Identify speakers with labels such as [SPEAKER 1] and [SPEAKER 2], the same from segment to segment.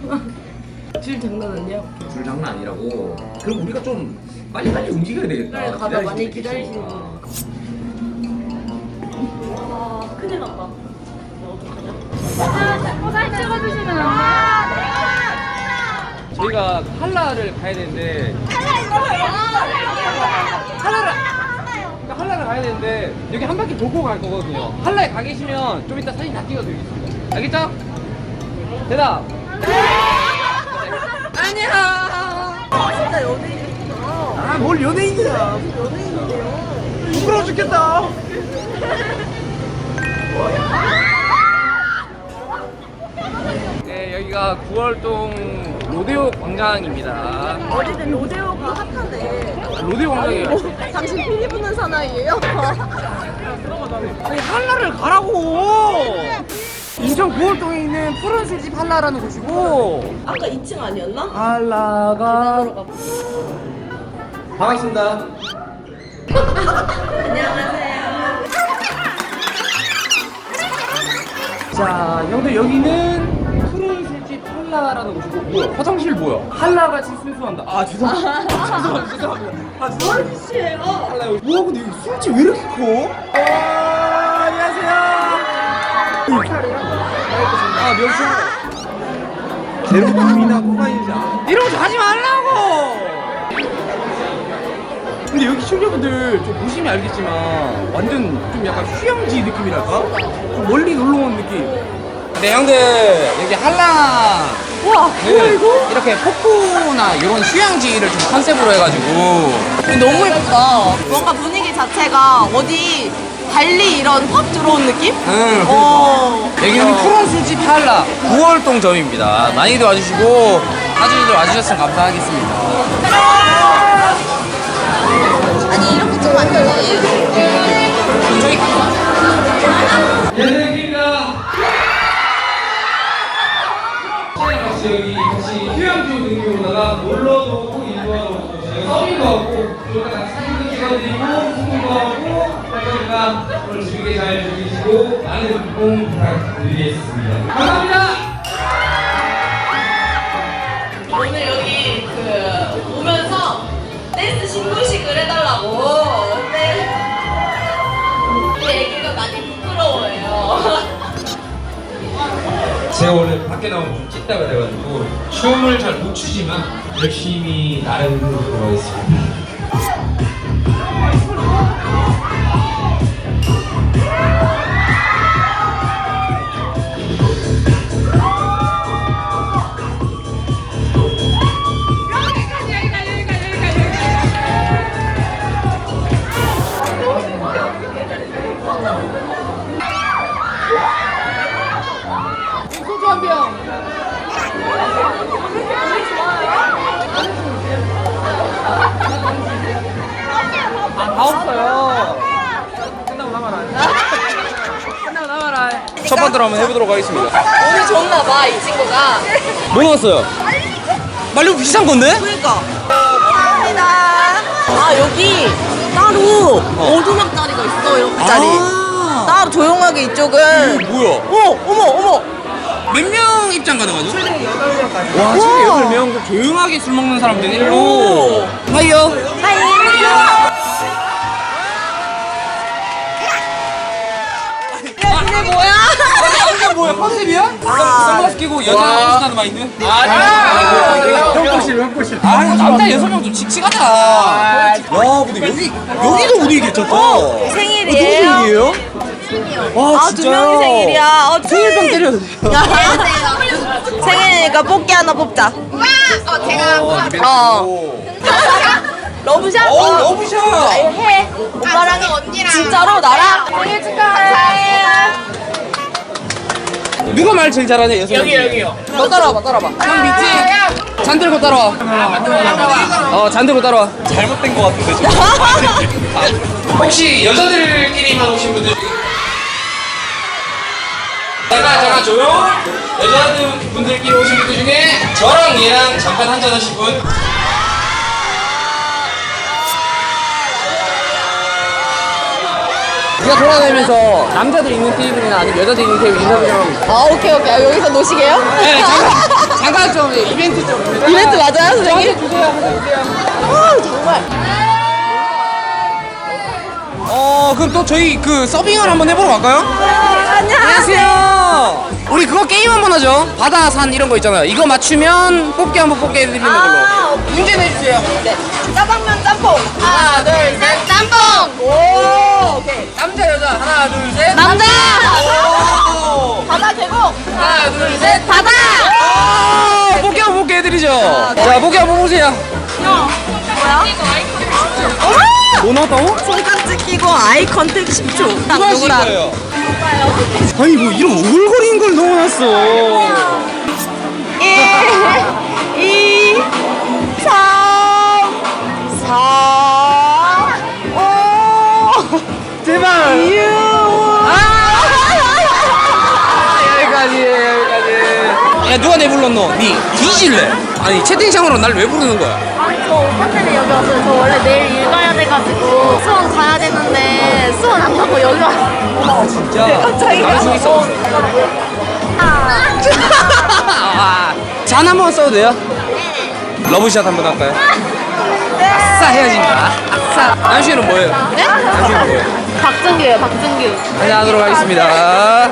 [SPEAKER 1] 줄 장난 아니야?
[SPEAKER 2] 줄 장난 아니라고. 그럼 우리가 좀 빨리빨리 움직여야 되겠다.
[SPEAKER 1] 그래, 가다 많이 기다리시는
[SPEAKER 2] 거.
[SPEAKER 1] 와, 큰일 났다. 어떡하냐?
[SPEAKER 3] 사진 찍어주시면 안 돼요?
[SPEAKER 4] 저희가 한라를 가야 되는데 한라를 가야 되는데 여기 한 바퀴 돌고 갈 거거든요. 한라에 가 계시면 좀 이따 사진 다 찍어드리겠습니다. 알겠죠? 대답.
[SPEAKER 1] 아니야. 진짜 연예인이구나.
[SPEAKER 4] 아, 뭘 연예인이야.
[SPEAKER 1] 연예인인데요.
[SPEAKER 4] 부끄러워 죽겠다. 네, 여기가 9월동 로데오 광장입니다.
[SPEAKER 1] 어디든 로데오가 핫하네.
[SPEAKER 4] 로데오 광장이에요.
[SPEAKER 1] 당신 피리 부는 사나이예요?
[SPEAKER 4] 아니, 한라를 가라고. 인천 9월동에 있는 푸른 술집 한라라는 곳이고
[SPEAKER 1] 아까 2층 아니었나?
[SPEAKER 4] 한라가 반갑습니다.
[SPEAKER 1] 안녕하세요.
[SPEAKER 4] 자, 형들 여기는 푸른 술집 한라라는 곳이고 뭐야? 화장실 뭐야? 한라같이 순수한다. 아, 죄송합니다. 죄송합니다. 아, 죄송합니다.
[SPEAKER 1] 씨예요.
[SPEAKER 4] 한라 여기. 우와, 근데 여기 술집 왜 이렇게 커? 안녕하세요. 아, 명수. 제로품이나 코카인이자 이런 거 하지 말라고. 근데 여기 시청자분들 좀 보시면 알겠지만 완전 좀 약간 휴양지 느낌이랄까? 좀 멀리 놀러 온 느낌. 네, 형들 여기 한라.
[SPEAKER 1] 우와, 뭐야 이거?
[SPEAKER 4] 이렇게 폭포나 이런 휴양지를 좀 컨셉으로 해가지고
[SPEAKER 1] 너무 예쁘다. 뭔가 분위기 자체가 어디 달리 이런 팝 들어온 느낌?
[SPEAKER 4] 응,
[SPEAKER 1] 어.
[SPEAKER 4] 여기는 푸른 술집 한라 9월동 점입니다. 많이들 와주시고 사진들 와주셨으면 감사하겠습니다.
[SPEAKER 1] 아니 이렇게 찍으면 안 되지.
[SPEAKER 4] 저기 예능입니다. 같이 여기 같이 휴양지 등교로다가 놀러도 오고 일도 하고 서빙도 하고 그러다 같이 사진도 찍어드리고 소통도 하고 할 거니까 오늘 즐겁게 잘 즐기시고 많은 응원 부탁드리겠습니다. 감사합니다.
[SPEAKER 1] 오늘 여기 오면서 댄스 신고식을 해달라고. 근데 우리 애기가 많이 부끄러워해요.
[SPEAKER 2] 제가 원래 밖에 나오면 좀 찢다 그래가지고 춤을 잘 못 추지만 열심히 나름 들어가겠습니다.
[SPEAKER 4] 소주 한 병. 다 없어요. 끝나고 남아라. 끝나고 남아라. 첫 번째로 한번 해보도록 하겠습니다.
[SPEAKER 1] 오늘 좋나봐 이 친구가.
[SPEAKER 4] 뭐 넣었어요? 말리고 비싼 건데?
[SPEAKER 1] 그러니까. 감사합니다. 아 여기 따로 오두막자리가 있어 이렇게 짜리. 따로 조용하게 이쪽은.
[SPEAKER 4] 뭐야?
[SPEAKER 1] 어머.
[SPEAKER 4] 몇 명 입장 가능하죠? 최대 8명까지. 와, 최대 8명? 좀 조용하게 술 먹는 사람들 일로. 하이요.
[SPEAKER 1] 이게 뭐야?
[SPEAKER 4] 이게 뭐야? 컨셉이야? 선글라스 끼고 여자 옷하는 마인드? 형꼬실. 아, 남자 6명 좀 칙칙하다. 야, 근데 여기도 분위기 괜찮다.
[SPEAKER 1] 생일이에요?
[SPEAKER 4] 누구 생일이에요? 와,
[SPEAKER 1] 아, 두 명이 생일이야.
[SPEAKER 4] 생일병 때려도 돼요.
[SPEAKER 1] 생일이니까 뽑기 하나 뽑자.
[SPEAKER 4] 제가.
[SPEAKER 1] 러브샷?
[SPEAKER 4] 러브샷.
[SPEAKER 1] 해. 오빠랑 언니랑. 진짜로 나랑? 생일 축하해.
[SPEAKER 4] 누가 말 제일 잘하냐, 여섯 명? 여기요. 너 따라와봐. 형 믿지? 잔 들고 따라와. 잔 들고 따라와. 잘못된 거 같은데, 지금. 혹시 여자들끼리만 오신 분들 중에? 잠깐 조용. 여자분들끼리 오신 분들 중에 저랑 얘랑 잠깐 한잔 하실 분? 우리가 돌아다니면서 남자들 있는 테이블이나 아니면 여자들 있는 테이블 인터뷰 좀.
[SPEAKER 1] 아, 오케이. 아, 여기서 노시게요?
[SPEAKER 4] 네, 잠깐 좀
[SPEAKER 2] 우리 이벤트 좀.
[SPEAKER 1] 이벤트 맞아요, 선생님?
[SPEAKER 2] 주세요.
[SPEAKER 1] 아, 정말.
[SPEAKER 2] 그럼 또 저희 그 서빙을 한번 해보러 갈까요? 안녕하세요. 우리 그거 게임 한번 하죠. 바다, 산 이런 거 있잖아요. 이거 맞추면 뽑기 한번 뽑게 해드리는 걸로. 문제 내주세요.
[SPEAKER 1] 네. 짜장면 짬뽕. 하나, 둘, 셋. 짬뽕. 오, 오케이.
[SPEAKER 2] 남자, 여자. 하나, 둘, 셋.
[SPEAKER 1] 남자.
[SPEAKER 2] 오!
[SPEAKER 1] 바다 계곡.
[SPEAKER 2] 하나, 둘, 셋.
[SPEAKER 1] 바다.
[SPEAKER 2] 뽑기 한번 뽑게 해드리죠. 자, 뽑기 한번 보세요.
[SPEAKER 1] 뭐야?
[SPEAKER 2] 뭐 나왔다고?
[SPEAKER 1] 손깍지 끼고 아이 컨택 10초.
[SPEAKER 2] 누가 하신 거예요? 아니 뭐 이런 오글거리는 걸 넣어놨어.
[SPEAKER 1] 1, 2, 3, 4, 5,
[SPEAKER 2] 제발.
[SPEAKER 1] 6.
[SPEAKER 2] 여기까지. 야 누가 내 불렀노? 니 뒤질래? 아니 채팅창으로 날 왜 부르는 거야?
[SPEAKER 3] 저 오빠 때문에 여기 왔어요. 저 원래 내일 일 가야 돼가지고 수원 가야 되는데 수원 안 가고 여기 왔어요.
[SPEAKER 2] 진짜.
[SPEAKER 1] 갑자기
[SPEAKER 2] 나갈 수 있어. 잔 한번 써도 돼요? 러브샷 한번 할까요? 아싸 헤어진다. 아싸. 남씨는 뭐예요?
[SPEAKER 1] 네?
[SPEAKER 2] 남씨는 뭐예요?
[SPEAKER 3] 박준규예요, 박준규.
[SPEAKER 2] 한잔하도록 하겠습니다.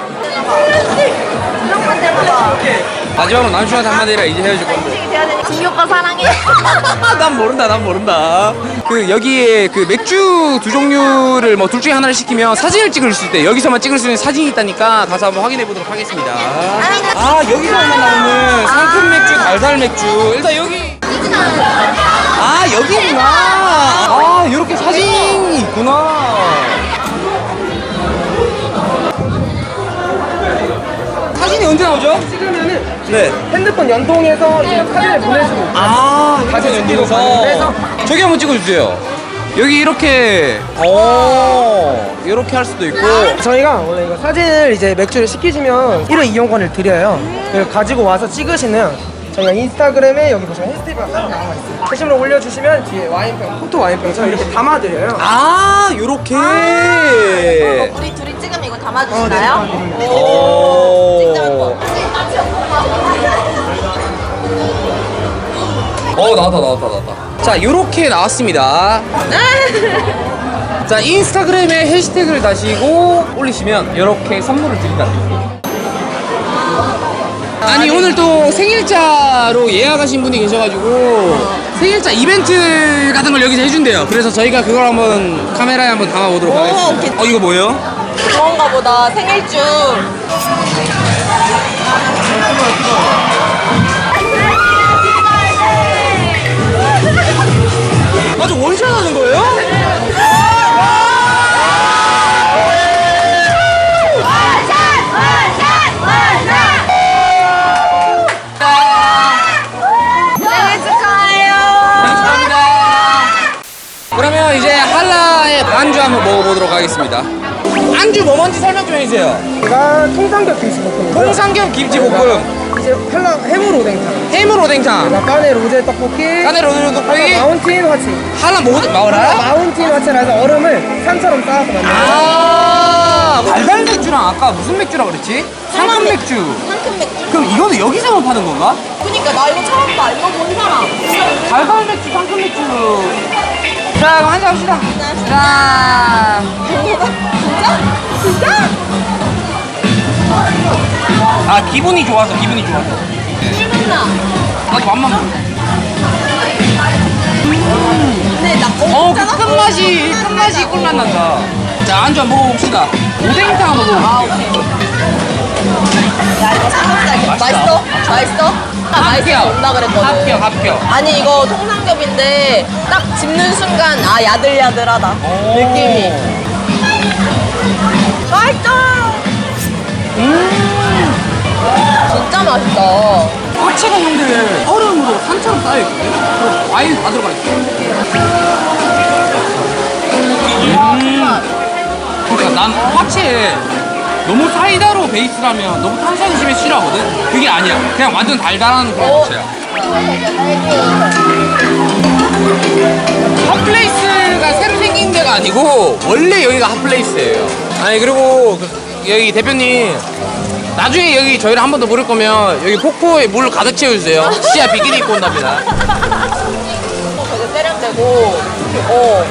[SPEAKER 2] 마지막으로 남씨한테 한마디 해라. 이제 헤어질 건데.
[SPEAKER 3] 준규 오빠 사랑해.
[SPEAKER 2] 난 모른다. 그 여기에 그 맥주 두 종류를 뭐 둘 중에 하나를 시키면 사진을 찍을 수 있대. 여기서만 찍을 수 있는 사진이 있다니까 가서 한번 확인해 보도록 하겠습니다. 아 여기서만 나오는 상큼 맥주, 달달 맥주. 일단 여기. 아 여기구나. 아 이렇게 사진이 있구나. 사진이 언제 나오죠?
[SPEAKER 5] 찍으면은
[SPEAKER 2] 네.
[SPEAKER 5] 핸드폰 연동해서 이제 사진을 보내주고
[SPEAKER 2] 아, 사진 연동해서 저기 한번 찍어주세요. 여기 이렇게, 이렇게 할 수도 있고.
[SPEAKER 5] 저희가 원래 이거 사진을 이제 맥주를 시키시면 1회 이용권을 드려요. 그걸 가지고 와서 찍으시면 저희가 인스타그램에 여기 보시면 해시태그가 따로 나와 있어요. 게시물을 올려주시면 뒤에 와인병, 포토 와인병처럼 이렇게 담아드려요.
[SPEAKER 2] 아, 요렇게.
[SPEAKER 1] 우리 둘이 찍으면 이거 담아주시나요?
[SPEAKER 5] 담아드립니다.
[SPEAKER 2] 오.
[SPEAKER 1] 찍자 한 번.
[SPEAKER 2] 나왔다. 자, 요렇게 나왔습니다. 자, 인스타그램에 해시태그를 다시고 올리시면 요렇게 선물을 드린다. 아니 오늘 또 생일자로 예약하신 분이 계셔가지고 생일자 이벤트 같은 걸 여기서 해준대요. 그래서 저희가 그걸 한번 카메라에 한번 담아보도록
[SPEAKER 1] 오,
[SPEAKER 2] 하겠습니다. 이거 뭐예요?
[SPEAKER 1] 그런가 보다. 생일주.
[SPEAKER 2] 아주 원샷 하는 거예요?
[SPEAKER 1] 생일 축하해요.
[SPEAKER 2] 감사합니다. 그러면 이제 한라의 반주 한번 먹어보도록 하겠습니다. 안주 뭐 뭔지 설명 좀 해주세요.
[SPEAKER 5] 제가 통삼겹 김치볶음이고요.
[SPEAKER 2] 통삼겹 김치볶음,
[SPEAKER 5] 이제 해물 오뎅탕,
[SPEAKER 2] 해물 오뎅탕,
[SPEAKER 5] 까네 로제 떡볶이,
[SPEAKER 2] 까네 로제 떡볶이,
[SPEAKER 5] 마운틴 화채.
[SPEAKER 2] 한라 마오라?
[SPEAKER 5] 마운틴 화채라서 얼음을 산처럼 쌓아서 만들어요.
[SPEAKER 2] 아, 달달 맥주랑 아까 무슨 맥주라 그랬지? 상큼 맥주.
[SPEAKER 1] 상큼 맥주.
[SPEAKER 2] 그럼 이거는 여기서만 파는 건가?
[SPEAKER 1] 그니까 나 이거 처음 봐. 이거 본 사람.
[SPEAKER 2] 달달 맥주, 상큼 맥주. 자, 그럼 한잔 합시다. 자.
[SPEAKER 1] 진짜?
[SPEAKER 2] 아, 기분이 좋아서.
[SPEAKER 1] 꿀맛나.
[SPEAKER 2] 아, 맛만 먹어.
[SPEAKER 1] 근데 나
[SPEAKER 2] 그 끝맛이 꿀맛 난다. 자, 안주 한번 먹어봅시다. 오뎅탕 한번 먹어볼게요.
[SPEAKER 1] 야 이거 삼겹살 맛있어? 맛있어? 나 맛있어 온다 그랬거든.
[SPEAKER 2] 합격.
[SPEAKER 1] 아니 이거 통삼겹인데 딱 집는 순간 아 야들야들하다 느낌이. 맛있다. 진짜 맛있다.
[SPEAKER 2] 화채가 형들 얼음으로 산처럼 쌓여있거든? 그리고 과일 다 들어가 있어. 그러니까 난 화채에 너무 사이다로 베이스라면 너무 탄산이 심해 싫어하거든? 그게 아니야. 그냥 완전 달달한 그런 화채야. 핫플레이스가 새로 생긴 데가 아니고 원래 여기가 핫플레이스예요. 아니 그리고 여기 대표님 나중에 여기 저희를 한 번 더 부를 거면 여기 폭포에 물 가득 채워주세요. 시야 비키니 입고 온답니다.
[SPEAKER 1] 되게 세련되고. 어.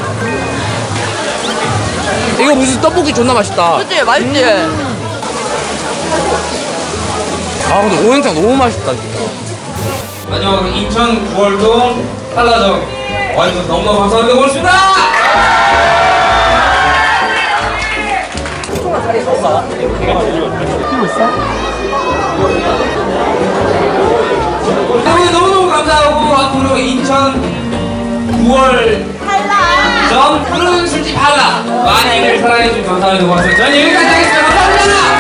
[SPEAKER 2] 이거 무슨 떡볶이 존나 맛있다.
[SPEAKER 1] 그치? 맛있지?
[SPEAKER 2] 아 근데 오행탕 너무 맛있다 진짜.
[SPEAKER 4] 안녕, 인천 9월동 한라정 와주셔서 너무너무 감사합니다. 고맙습니다. 여러분 너무너무 감사하고 앞으로 인천 9월 전 푸른 술집 한라 많이들 사랑해주셔서 감사합니다. 고맙습니다. 저는 여기까지 하겠습니다. 감사합니다.